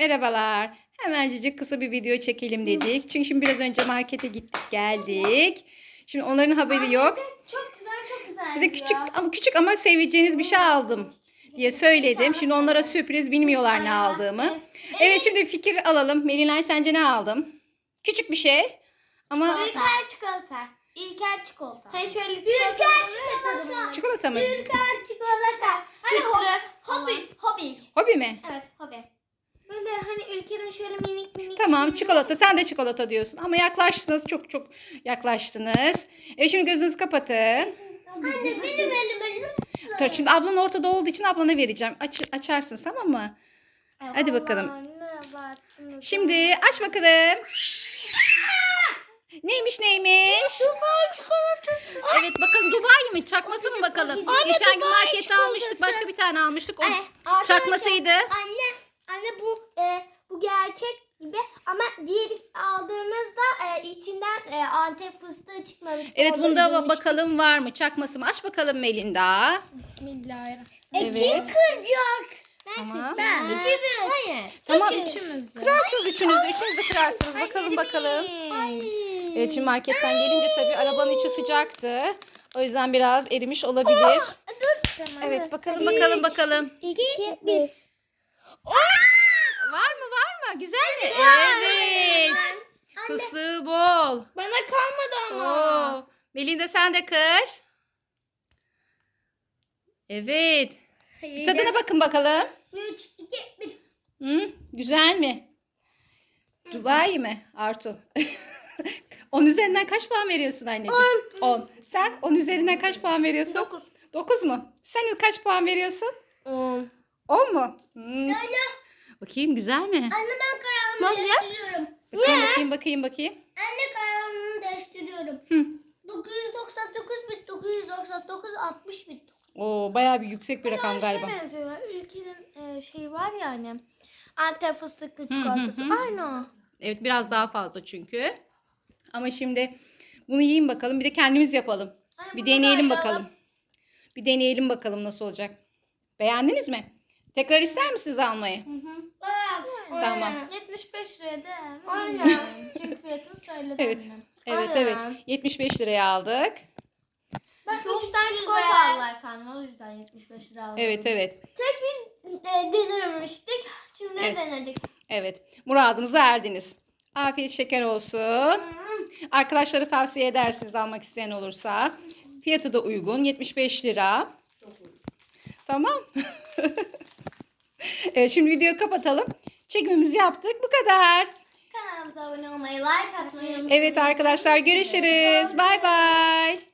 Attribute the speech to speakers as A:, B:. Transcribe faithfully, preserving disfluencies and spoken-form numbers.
A: Merhabalar. Hemencecik kısa bir video çekelim dedik. Çünkü şimdi biraz önce markete gittik geldik. Şimdi onların haberi yok.
B: Çok güzel çok güzel.
A: Size küçük ama küçük ama seveceğiniz bir şey aldım diye söyledim. Şimdi onlara sürpriz, bilmiyorlar ne aldığımı. Evet, şimdi fikir alalım. Melinay, sence ne aldım? Küçük bir şey ama
B: İlker çikolata. İlker çikolata. Hayır şöyle çikolata. İlker çikolata.
A: çikolata mı?
B: İlker çikolata. Hani ho- hobi. Hobi.
A: Hobi mi?
B: Evet hobi. Böyle hani Ülker'in şöyle minik minik.
A: Tamam,
B: şeyleri-
A: çikolata. Sen de çikolata diyorsun. Ama yaklaştınız. Çok çok yaklaştınız. Evet, şimdi gözünüzü kapatın.
B: Anne benim elim elim.
A: Dur, şimdi ablan ortada olduğu için ablana vereceğim. Aç, açarsın, tamam mı? Hadi bakalım. Şimdi aç bakalım. Neymiş neymiş?
B: Dubai çikolatası.
A: Evet, bakalım Dubai mi? Çakması mı bakalım?
B: Anne,
A: Geçen gün
B: Dubai
A: markette
B: çikolatası.
A: almıştık. Başka bir tane almıştık. O
B: Arkadaşlar,
A: çakmasıydı.
B: Anne, anne bu e, bu gerçek gibi ama diğeri aldığımızda e, içinden e, Antep fıstığı çıkmamıştı.
A: Evet,
B: Orada
A: bunda
B: üzülmüştük.
A: bakalım var mı? Çakması mı? Aç bakalım Melinda.
B: Bismillahirrahmanirrahim.
A: Evet.
B: E, kim kıracak? Ben
A: Tamam.
B: kıracağım. Üçümüz. Hayır.
A: Tamam.
B: Üçümüz.
A: Kırarsınız üçünüz de. Üçünüz de kırarsınız. Bakalım bakalım. Evet, şimdi marketten gelince tabii arabanın içi sıcaktı. O yüzden biraz erimiş olabilir. Evet, bakalım bakalım bakalım.
B: İki, bir.
A: Var mı var mı? Güzel mi? Evet. Fıstığı bol.
B: Bana kalmadı
A: Oo. Melinda, sen de kır. Evet. Tadına bakın bakalım.
B: Üç, iki, bir.
A: Hı? Güzel mi? Dubai mi Artu? on üzerinden kaç puan veriyorsun anneciğim? on. Sen on üzerinden kaç puan veriyorsun?
B: Dokuz.
A: dokuz mu? Sen kaç puan veriyorsun?
B: On.
A: on mu? Hmm. Bakayım, güzel mi?
B: Anne ben kararımı
A: Nasıl ya?
B: değiştiriyorum.
A: Bakayım bakayım bakayım bakayım.
B: Anne kararımı değiştiriyorum.
A: Hı.
B: dokuz yüz doksan dokuz bit, dokuz yüz doksan dokuz, altmış bit.
A: Oo, bayağı bir yüksek bir rakam galiba.
C: benziyor. Ülkenin e, şeyi var ya hani. Antep fıstıklı
A: hı
C: çikolatası.
A: hı.
C: Aynı o.
A: Evet, biraz daha fazla çünkü. Ama şimdi bunu yiyin bakalım. Bir de kendimiz yapalım.
C: Anne,
A: Bir
C: bunu
A: deneyelim
C: da
A: bakalım. Bir deneyelim bakalım nasıl olacak. Beğendiniz mi? Tekrar ister misiniz almayı? Tamam.
C: yetmiş beş liraya değer mi?
B: Aynen.
C: Bilmiyorum. Çünkü fiyatını söyledi
A: Evet.
C: annem.
A: Evet
C: Aynen.
A: evet. yetmiş beş liraya aldık.
C: Ben
B: Çok
C: üç tane
B: güzel.
C: çikolata aldılar sandım. O yüzden yetmiş beş lira aldım.
A: Evet evet.
B: Tek biz e, denememiştik. Şimdi
A: Evet.
B: denedik.
A: Evet. Muradınıza erdiniz. Afiyet şeker olsun. Arkadaşlara tavsiye edersiniz almak isteyen olursa. Fiyatı da uygun. yetmiş beş lira. Tamam. Evet, şimdi videoyu kapatalım. Çekimimizi yaptık. Bu kadar.
B: Kanalımıza abone olmayı, like atmayı unutmayın.
A: Evet arkadaşlar, görüşürüz. Bay bay.